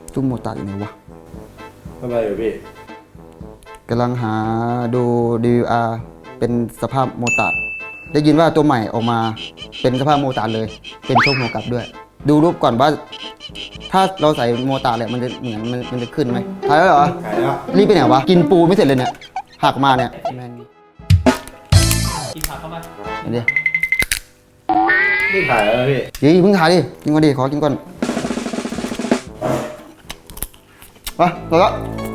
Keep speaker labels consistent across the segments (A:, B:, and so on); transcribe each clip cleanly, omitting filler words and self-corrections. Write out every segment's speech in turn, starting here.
A: ตุ้มโมตัดอยู่ไหนวะ
B: ทำไมอยู่พี่
A: กำลังหาดู DVR เป็นสภาพโมตัดได้ยินว่าตัวใหม่ออกมาเป็นสภาพโมตัดเลย เป็นโชคหัวกลับด้วย ดูรูปก่อนว่า ถ้าเราใส่โมตัดเลยมันจะเหมือนมันจะขึ้นไหมถ่ายแล้วเหรอ
B: ขายแล้ว
A: รีบไปไหนวะกินปูไม่เสร็จเลยเนี่ยหักมาเนี่ยแม่ง
C: กินผักเข้ามา
A: เห็นดิ
B: นี่ขายแล้วพี่
A: เดี๋ยวเพิ่งถ่ายดิกินก่อนดิขอกินก่อนไปแล้ว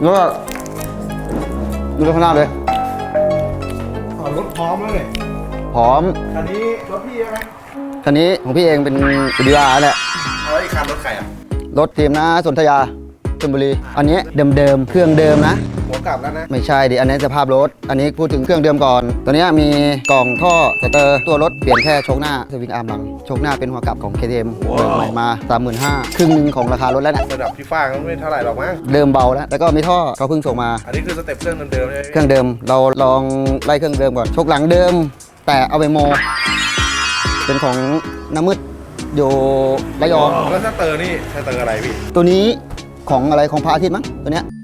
A: ดูข้างหน้าเลย
B: รถพร้อมแล้วเนี่ย
A: พร้อม
B: คันนี้รถพี่ใช่ไหม
A: คันนี้ของพี่เองเป็นดีอาร์แหละ
B: เอาไอ้คันรถใครอ่ะ
A: รถทีมนะสนธยาชลบุรีอันนี้เดิมเครื่องเดิมนะ
B: หัวกลับแล้วนะ
A: ไม่ใช่ดิอันนี้สภาพรถอันนี้พูดถึงเครื่องเดิมก่อนตัวนี้มีกล่องท่อสเตอร์ตัวรถเปลี่ยนแค่โชคหน้าสวิงอาร์มหลังโชคหน้าเป็นหัวกลับของ KTM เบิกใหม่มา 35,000ครึ่งหนึงของราคารถแล้วเนี่ย
B: ระดับพี่ฟ้างก็ไม่เท่าไหร่หรอกมั้ง
A: เดิมเบาแล้วก็มีท่อเขาเพิ่งส่งมา
B: อันนี้คือสเต็ปเครื่องเดิมๆใช่ไหม
A: เครื่องเดิมเราลองไล่เครื่องเดิมก่อนโชคหลังเดิม แต่เอาไปโม เป็นของน้ำมืดอยู่ระยอง
B: แล้วสเตอร์นี่สเตอร์อะไรพี่
A: ตัวนี้ของอะไรของพระอาทิตย์มั้งตัวเนี้ย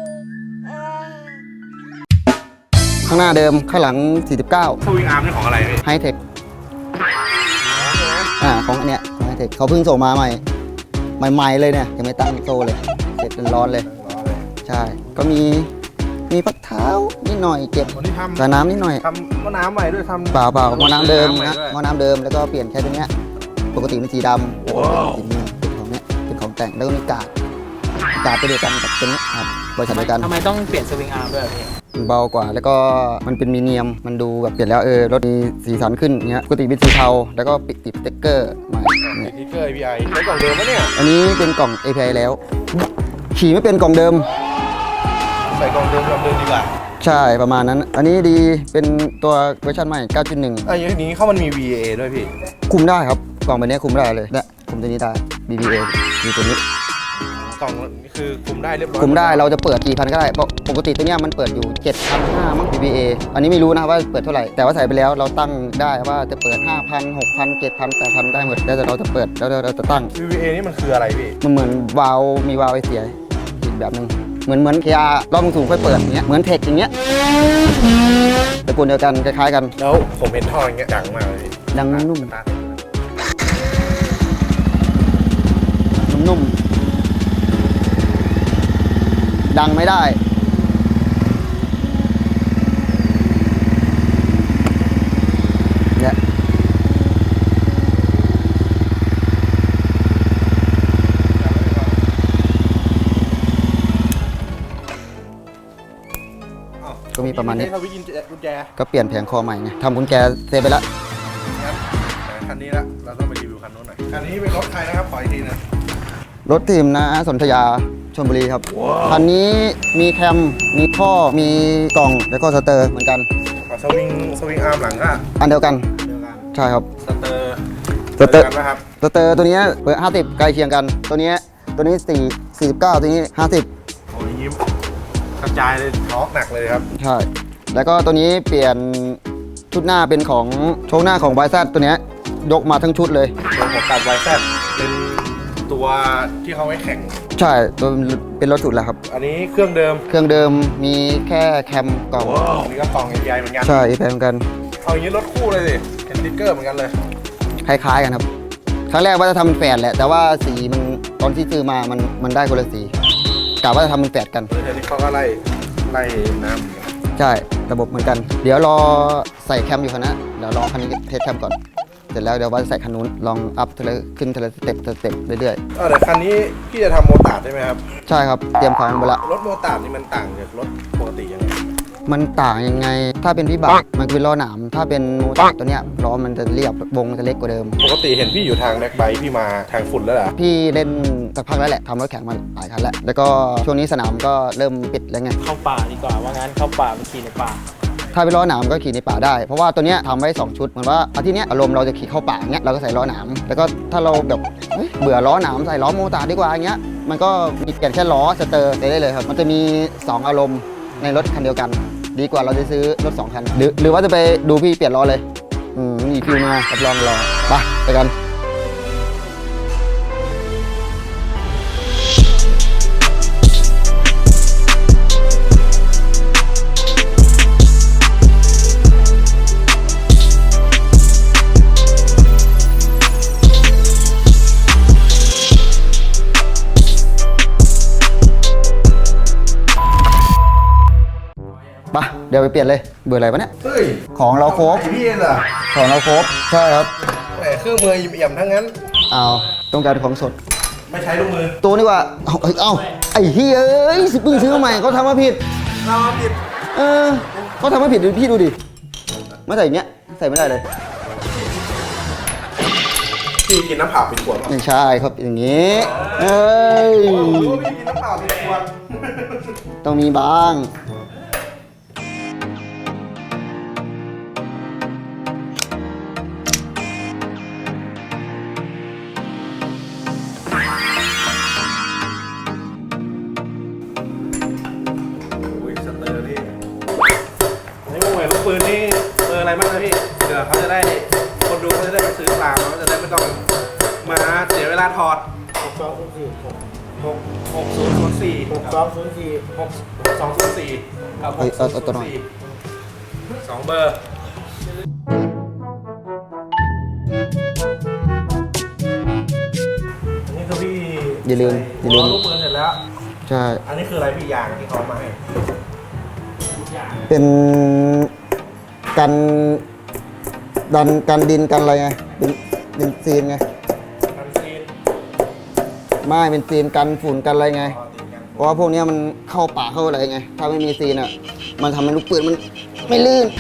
A: ข้างหน้าเดิมข้างหลัง 49
B: สวิงอาร์มนี่ของอะไรพี่
A: ไฮเทคของอันเนี้ยไฮเทคเขาเพิ่งส่งมาใหม่เลยเนี่ยยังไม่ตั้งโซ่เลยเสร็จร้อนเลย
B: ล้อเลย
A: ใช่ก็มีพักเท้านิดหน่อยเก็บ
B: วันนี้ทำ
A: กระน้ำนิดหน่อย
B: ทำหม้อน้ำใหม่ด้วยทำ
A: เปล่าหม้อน้ำเดิม
B: ให
A: นะ
B: ด้วย
A: หม้อน้ำเดิมแล้วก็เปลี่ยนแค่ตัวเนี้ยปกติเป็นสีดำแล้วก็เป็นสีเงินเป็นของเนี้ยเป็นของแต่งแล้วก็มีกาดตัวเดียวกันกับตัวนี้ครับบริษัทเดียวกัน
C: ทำไมต้องเปลี่ยนสวิงอาร์มด้วยพี่
A: มันเบากว่าแล้วก็มันเป็นมีเนียมมันดูแบบเปลี่ยนแล้วรถมีสีสันขึ้นเงี้ยปกติเป็นสีเทาแล้วก็ติดสติ๊กเกอร์ใหม่
B: ติดสติ๊กเกอร์ API ใช้กล่องเดิมปะเนี่ย
A: อันนี้เป็นกล่อง API แล้ว ขี่ไม่เป็นกล่องเดิม
B: ใส่กล่องเดิมดีกว่า
A: ใช่ประมาณนั้น อันนี้ดีเป็นตัวเวอร์ชันใหม่ 9.1
B: อย่างนี้เขามันมี VA ด้วยพี่
A: คุมได้ครับกล่องแบบนี้คุมได้เลยและคุมตัวนี้ได้ BBA มีตัวนี้
B: กล่องนี่คือคุมได้เรียบร้อย
A: คุมได้เราจะเปิดกี่พันก็ได้เพราะปกติตัวเนี้ยมันเปิดอยู่ 7,500 มั้ง BBA อันนี้ไม่รู้นะว่าเปิดเท่าไหร่แต่ว่าใส่ไปแล้วเราตั้งได้ว่าจะเปิด 5,000 6,000 7,000 8,000 ได้หมดแล้วแต่เราจะเปิดแล้วเราจะตั้ง
B: VA นี่มันคืออะไรพี่
A: มันเหมือนวาล์วมีวาล์วไอเสียอีกแบบหนึงเหมือนเคียร์รอบสูงค่อยเปิดอย่างเงี้ยเหมือนเทคอย่างเงี้ยตระกูลเดียวกันคล้ายๆกัน
B: แล้วผมเห็นท่ออย่างเงี้ยดังมากเลย
A: ดังนุ่ม
B: ตา
A: ๆนุ่มๆดังไม่ได้เนี่ยก็มีประมาณนี้
B: ทวิกุญแจ
A: ก็เปลี่ยนแผงคอใหม่ไงทำกุญแจเซฟไปแล้ว
B: งั้นคันนี้ละเราต้องไปรีวิวคันนู้นหน่อยคันนี้เป็นรถใครนะครับขออีกทีนะ
A: รถทีมนะสนธยาชลบุรีครับคันนี้มีแคมมีท่อมีกล่องแล้วก็สเตอร์เหมือนกัน
B: สวิงอาร์มหลังก็
A: อันเดียวกัน
B: เดียวกัน
A: ใช่ครับ
B: สเตอร์
A: สเตอร์
B: ดียวกันนะครับ
A: สเตอร์ตัวนี้เบอร์50ใกล้เคียงกัน ตัวนี้49ตัวนี้50
B: โอ้ยยิ้มกระจายเลยท็อกหนักเลยครับ
A: ใช่แล้วก็ตัวนี้เปลี่ยนชุดหน้าเป็นของโชว์หน้าของไบซัสตัวนี้ยกมาทั้งชุดเลย
B: ตัวหัวกับไวแซดเป็นตัวที่เขาไว้แข่ง
A: ใช่ตัวเป็นรถสุดแล้วครับ
B: อันนี้เครื่องเดิม
A: เครื่องเดิมมีแค่แคมกล่อง
B: อันนี้ก็กล่อง API เหมือนกัน
A: ใช่แพงเหมือนกัน
B: เอาอย่างนี้รถคู่เลยสิเห็นสติ๊กเกอร์เหมือนกันเลย
A: คล้ายๆกันครับครั้งแรกว่าจะทำเป็นแฝดแหละ แต่ว่าสีมันตอนที่ซื้อมามันได้คนละสีกะว่าจะทำเป็นแฝดกัน
B: เดี๋ยวนี้เขาก็ไล่น้ำเหมือนกัน
A: ใช่ระบบเหมือนกัน เดี๋ยวรอใส่แคมอยู่คันนะเดี๋ยวรอคันนี้เทสแคมก่อนเสร็จแล้วเดี๋ยวว่าจะใส่คันนู้นลองอัพขึ้นทีละสเต็ปเรื่อย
B: เดี๋ยวคันนี้พี่จะทำโมตาร์ดใช่ไหมครับ
A: ๆใช่ครับเตรียมของไปละ
B: รถโมตาร์ดนี่มันต่างจากรถปกติยังไง
A: มันต่างยังไง ถ้าเป็นวิบากมันคือล้อหนามถ้าเป็นโมตาร์ตัวเนี้ยล้อมันจะเรียบวงมันจะเล็กกว่าเดิม
B: ปกติเห็นพี่อยู่ทางแบ็คไบค์พี่มาทางฝุ่นแล้วเหรอ
A: พี่เล่นสักพักแล้วแหละทำรถแข่งมาหลายคันแล้วแล้วก็ช่วงนี้สนามก็เริ่มปิดแล้วไง
C: เข้าป่าดีกว่าว่างั้นเข้าป่าไปขี่ในป่า
A: ถ้าเป็นล้อหนามก็ขี่ในป่าได้ เพราะว่าตัวเนี้ยทำไว้ 2 ชุดเหมือนว่าอาทิตย์เนี้ยอารมณ์เราจะขี่เข้าป่าเงี้ยเราก็ใส่ล้อหนามแล้วก็ถ้าเราแบบเฮ้ยเบื่อล้อหนามใส่ล้อโมตาร์ดีกว่าเงี้ยมันก็มีเปลี่ยนแค่ล้อสเตอร์ได้เลยครับมันจะมี 2 อารมณ์ในรถคันเดียวกัน ดีกว่าเราจะซื้อรถ 2 คันหรือว่าจะไปดูพี่เปลี่ยนล้อเลยมีคิวมารับรองรอไปกันดี๋ยวไปเปลี่ยนเลยเบื่ออะไรวะเนี่ย
B: เฮ้ย
A: ของเราครบ
B: ไอพี่เองเหรอ
A: ของเราครบใช่ครับ
B: แหมเครื่องมือเอี่ยมๆทั้งนั้น
A: เอาต้องการของสด
B: ไม่ใช้ลูกมือ
A: ตัวนี้ว่าเอาไอ้เฮ้ยเอ้ยเพิ่งซื้อมาใหม่เขาทำมาผิด
B: เราผิด
A: เขาทำมาผิดพี่ดูดิไม่ใส่อย่างเงี้ยใส่ไม่ได้เลย
B: พี่กินน้ำเปล่าเป็นขวดหรอ
A: ไม่ใช่ครับอย่างงี้เอ้ย
B: โอ้โหพี่กินน้ำเปล่าเป็นขวด
A: ต้องมีบ้าง
B: โอ้ยสเตอร์นี่นี่วงแหวนลูกปืนนี่เบอร์อะไรบ้างนะพี่เดี๋ยวเขาจะได้คนดูเขาจะได้ไปซื้อตามเขาจะได้ไม่ต้องมาเสียเวลาถอด 6004 6204กับ
A: เฮ้ยเอาตัวหน่อย
B: 2เบอร์อันนี้คือพี่
A: อย่าลืม
B: ล้อลูกปืนเสร็จแล้ว
A: ใช่
B: อันนี้คืออะไรพี่ยางที่เขามาให้
A: เป็นกันกันดินกันอะไรไงเป็นซีนไง
B: กันซีน
A: ไม่เป็นซีนกันฝุ่นกันอะไรไง
B: อ๋อติดกัน
A: เพราะว่าพวกเนี้ยมันเข้าป่าเข้าอะไรไง ถ้าไม่มีซีนอ่ะ มันทำให้ลูกปืนมันไม่ลื่น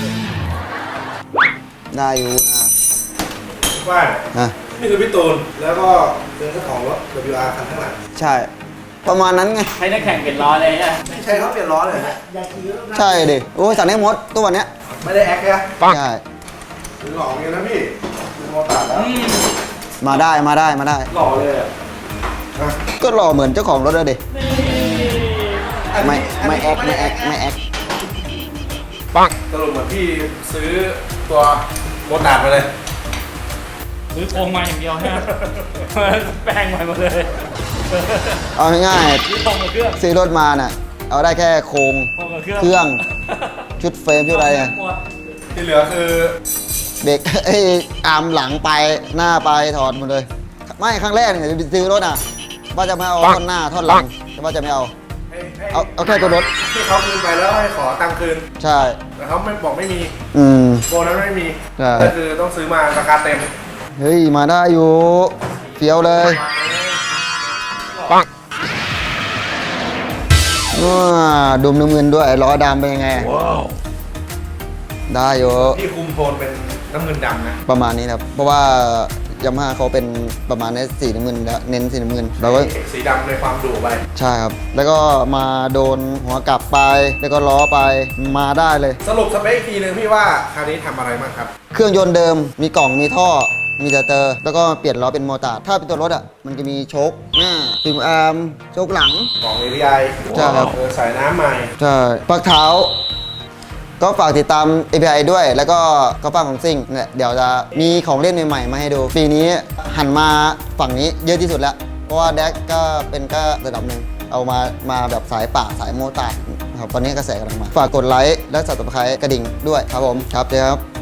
A: ได้อยู่นะ
B: ว่า
A: นะ
B: นี่คือพี่ตูนแล้วก็เป็นเจ้าของรถ WR คันข้างหลัง
A: ใช่ ประมาณนั้นไง
C: ให้นักแข่งเปลี่ยนล้อเลยเนี่ย
B: ไม่ใช่เขาเปลี่ยนล้อเลยนะ
A: ใช่ดิโอ้ยสั่งได้หมดตัวเนี้ย
B: ไม่ได้แอคเลย
A: ใช่
B: เป็นหล่อเงี้ยนะพี่เป็นโมตัดแล้ว
A: มาได้
B: หล่อเลยอ่ะ
A: ก็หล่อเหมือนเจ้าของรถเลยดิ
B: อัน
A: ไม่
B: นี้
A: ไม่แอคไม่แอคไม่แอค
B: สรุปเหมือนพี่ซื้อตัวโมตัดมาเลย
C: ซื้อโครงมาอย่างเดียวใช่ไหม แปลงใหม่หมดเลย
A: เอาง่าย
C: ซื้อโครงกับเครื่อง
A: ๆซื้อรถมาน่ะ เอาได้แค่โครง
C: โครงกับเครื่อง
A: เครื่อง ชุดเฟรมชุดอะไรไง
B: ที่เหลือคือ
A: เบรก ไอ้อาร์มหลังไปหน้าไปถอดหมดเลย ไม่ครั้งแรกเนี่ยจะซื้อรถอ่ะว่าจะไม่เอาท่อนหน้าท่อนหลังแต่ว่าจะไม่เอา
B: ให้
A: เอาแค่ตัวรถ
B: ที่เขาคืนไปแล้วให้ขอตังค์คืน
A: ใช่
B: แต่เขาไม่บอกไม่มี
A: อืม
B: โบนั้นไม่มี
A: ใช่
B: ก็คือต้องซื้อมาราคาเต็ม
A: เฮ้ย มาได้อยู่เฟี้ยวเลยว้าดุมน้ำเงินด้วยล้อดำเป็นยังไง ได้อยู่
B: ที่คุมโทนเป็นน้ำเงินดำนะ
A: ประมาณนี้นะครับ เพราะว่ายามาฮ่าเขาเป็นประมาณนี้สีน้ำเงินแล้วเน้นสีน้ำเงินเราก็
B: สีดำในความดุไป
A: ใช่ครับ แล้วก็มาโดนหัวกลับไป แล้วก็ล้อไปมาได้เลย
B: สรุปสเปคอีกทีหนึงพี่ว่าคันนี้ทำอะไรบ้างครับ
A: เครื่องยนต์เดิมมีกล่องมีท่อ มีสเตอร์ แล้วก็เปลี่ยนล้อเป็นโมตาร์ดถ้าเป็นตัวรถอ่ะมันจะมีโชคหน้าฟิล์มอาร์มโชคหลัง
B: ของเอรีไอ
A: ใช่ครับ
B: ใส่น้ำใหม่
A: ใช่ปักเท้า ก็ฝากติดตาม API ด้วย แล้วก็กระปั้งของซิ่งเนี่ยเดี๋ยวจะมีของเล่นใหม่ๆมาให้ดู ปีนี้หันมาฝั่งนี้เยอะที่สุดแล้ว เพราะว่าแดกก็เป็นก็ระดับหนึ่งเอามาแบบสายป่าสายโมตาร์ดครับตอนนี้กระแสกำลังมา ฝากกดไลค์และ Subscribe กระดิ่งด้วยครับผมครับเดี๋ยวครับ